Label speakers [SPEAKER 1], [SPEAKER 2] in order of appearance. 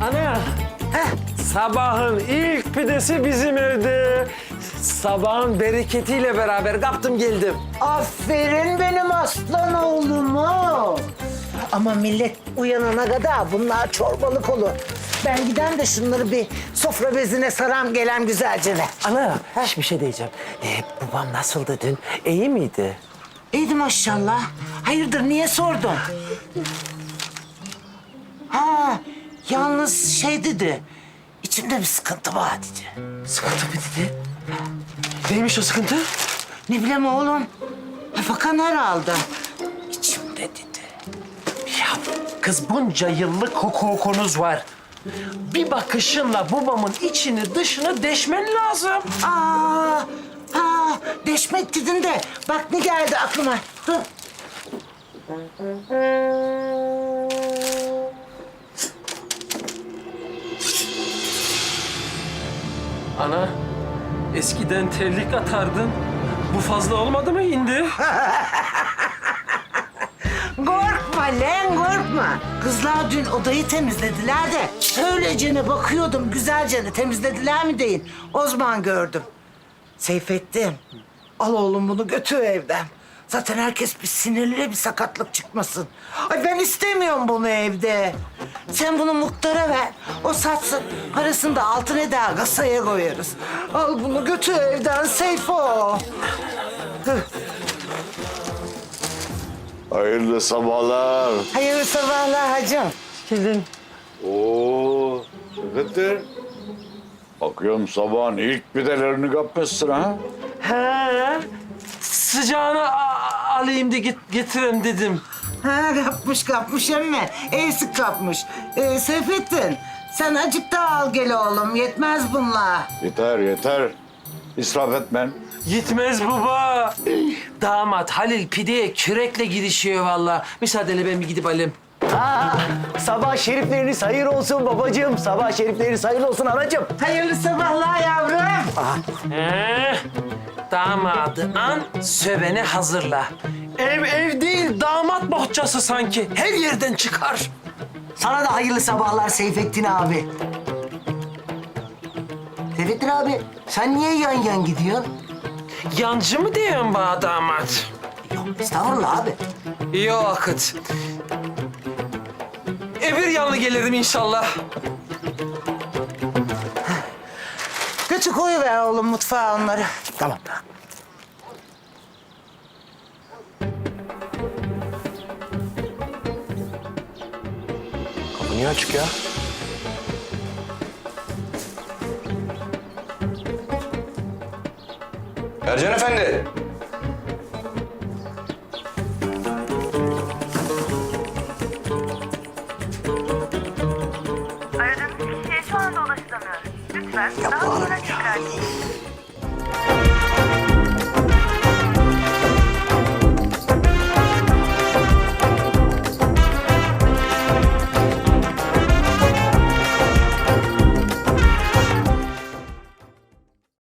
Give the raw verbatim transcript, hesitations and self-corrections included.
[SPEAKER 1] Ana,
[SPEAKER 2] Heh,
[SPEAKER 1] sabahın ilk pidesi bizim evde. Sabahın bereketiyle beraber kaptım geldim.
[SPEAKER 2] aferin benim aslan oğluma. Ama millet uyanana kadar bunlar çorbalık olur. Ben giden de şunları bir sofra bezine saram gelem güzelce ne.
[SPEAKER 1] Ana, hiçbir şey diyeceğim. Ee, babam nasıldı dün? İyi miydi?
[SPEAKER 2] İyiydi maşallah. Hayırdır niye sordun? Ha, yalnız şey dedi. İçimde bir sıkıntı var dedi.
[SPEAKER 1] Sıkıntı mı dedi? Neymiş o sıkıntı?
[SPEAKER 2] Ne bileyim oğlum. Fakan herhalde. İçimde dedi.
[SPEAKER 1] Ya kız bunca yıllık hukukunuz var. Bir bakışınla babamın içini dışını deşmen lazım.
[SPEAKER 2] Aa, ha, deşmek dedin de bak ne geldi aklıma. Dur.
[SPEAKER 1] Ana, eskiden terlik atardın. Bu fazla olmadı mı indi?
[SPEAKER 2] Korkma lan korkma. Kızlar dün odayı temizlediler de öylece bakıyordum güzelce temizlediler mi deyin. O zaman gördüm. Seyfettin, al oğlum bunu götür evden. Zaten herkes bir sinirli bir sakatlık çıkmasın. Ay ben istemiyorum bunu evde. Sen bunu muhtara ver. O satsın. Parasını da altın eder kasaya koyarız. Al bunu götür evden Seyfo.
[SPEAKER 3] Hayırlı sabahlar.
[SPEAKER 2] Hayırlı sabahlar hacım.
[SPEAKER 1] Geldin.
[SPEAKER 3] Oo, Seyfettin. Bakıyorum sabahın ilk pidelerini kapmışsın ha.
[SPEAKER 1] He, sıcağını a- alayım da git getireyim dedim.
[SPEAKER 2] Ha kapmış kapmış emme. Eğsik kapmış. Ee, Seyfettin sen acık daha al gel oğlum. Yetmez bunlar.
[SPEAKER 3] Yeter yeter. İsraf etmen.
[SPEAKER 1] Gitmez baba. Damat Halil pideye kürekle girişiyor vallahi. Müsaadenle ben bir gidip alayım.
[SPEAKER 4] Aa, sabah şerifleriniz hayır olsun babacığım. Sabah şerifleriniz hayırlı olsun anacığım.
[SPEAKER 2] Hayırlı sabahlar yavrum.
[SPEAKER 1] He, damadı an, söveni hazırla. Ev ev değil, damat bohçası sanki. Her yerden çıkar.
[SPEAKER 4] Sana da hayırlı sabahlar Seyfettin abi. Seyfettin abi sen niye yan yan gidiyorsun?
[SPEAKER 1] Yancı mı diyorsun bana damat?
[SPEAKER 4] Yok estağfurullah abi.
[SPEAKER 1] İyi o vakit. Öbür yanlı gelirim inşallah.
[SPEAKER 2] Götür koyuver oğlum mutfağa onları.
[SPEAKER 4] Tamam. Kapı niye açık ya?
[SPEAKER 5] Ercan Efendi.
[SPEAKER 6] Aradığınız kişiye şu anda ulaşılamıyor. Lütfen daha sonra tekrar deneyin.